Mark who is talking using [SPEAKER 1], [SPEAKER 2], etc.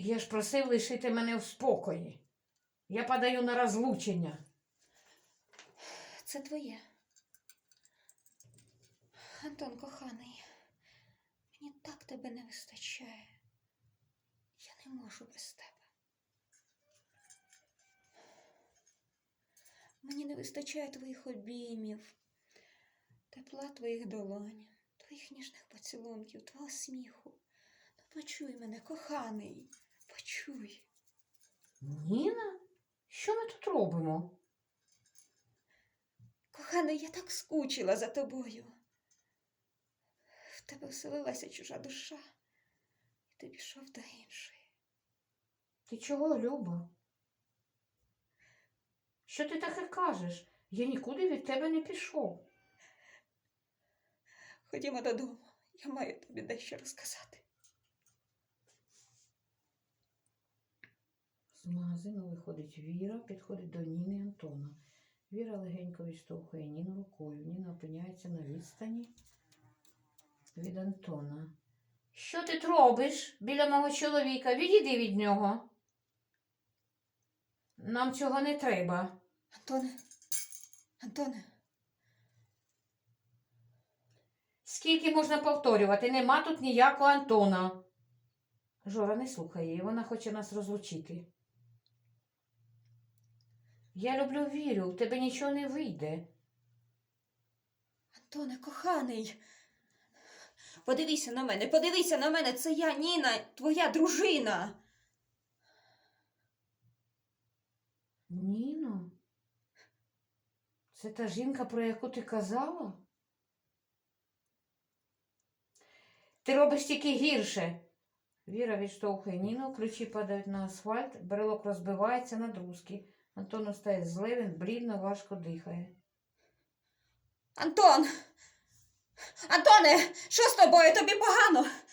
[SPEAKER 1] Я ж просив лишити мене в спокої. Я подаю на розлучення.
[SPEAKER 2] Це твоє. Антон, коханий, мені так тебе не вистачає. Я не можу без тебе. Мені не вистачає твоїх обіймів, тепла твоїх долонь, твоїх ніжних поцілунків, твого сміху. Ну, почуй мене, коханий, почуй.
[SPEAKER 1] Ніна? Що ми тут робимо?
[SPEAKER 2] Коханий, я так скучила за тобою. В тебе вселилася чужа душа, і ти пішов до іншої.
[SPEAKER 1] Ти чого, Люба? Що ти таке кажеш? Я нікуди від тебе не пішов.
[SPEAKER 2] Ходімо додому, я маю тобі дещо розказати.
[SPEAKER 1] З магазину виходить Віра, підходить до Ніни і Антона. Віра легенько відштовхує Ніну рукою. Ніна опиняється на відстані від Антона. Що ти робиш біля мого чоловіка? Відійди від нього. Нам цього не треба.
[SPEAKER 2] Антоне.
[SPEAKER 1] Скільки можна повторювати? Нема тут ніякого Антона. Жора не слухає її, вона хоче нас розлучити. Я люблю Вірю, в тебе нічого не вийде.
[SPEAKER 2] Антоне, коханий, подивися на мене, це я, Ніна, твоя дружина.
[SPEAKER 1] Ніно? Це та жінка, про яку ти казала? Ти робиш тільки гірше. Віра відштовхує Ніну, ключі падають на асфальт, брелок розбивається на друзки. Антон стає зле, він блідно, важко дихає.
[SPEAKER 2] Антоне, що з тобою? Тобі погано?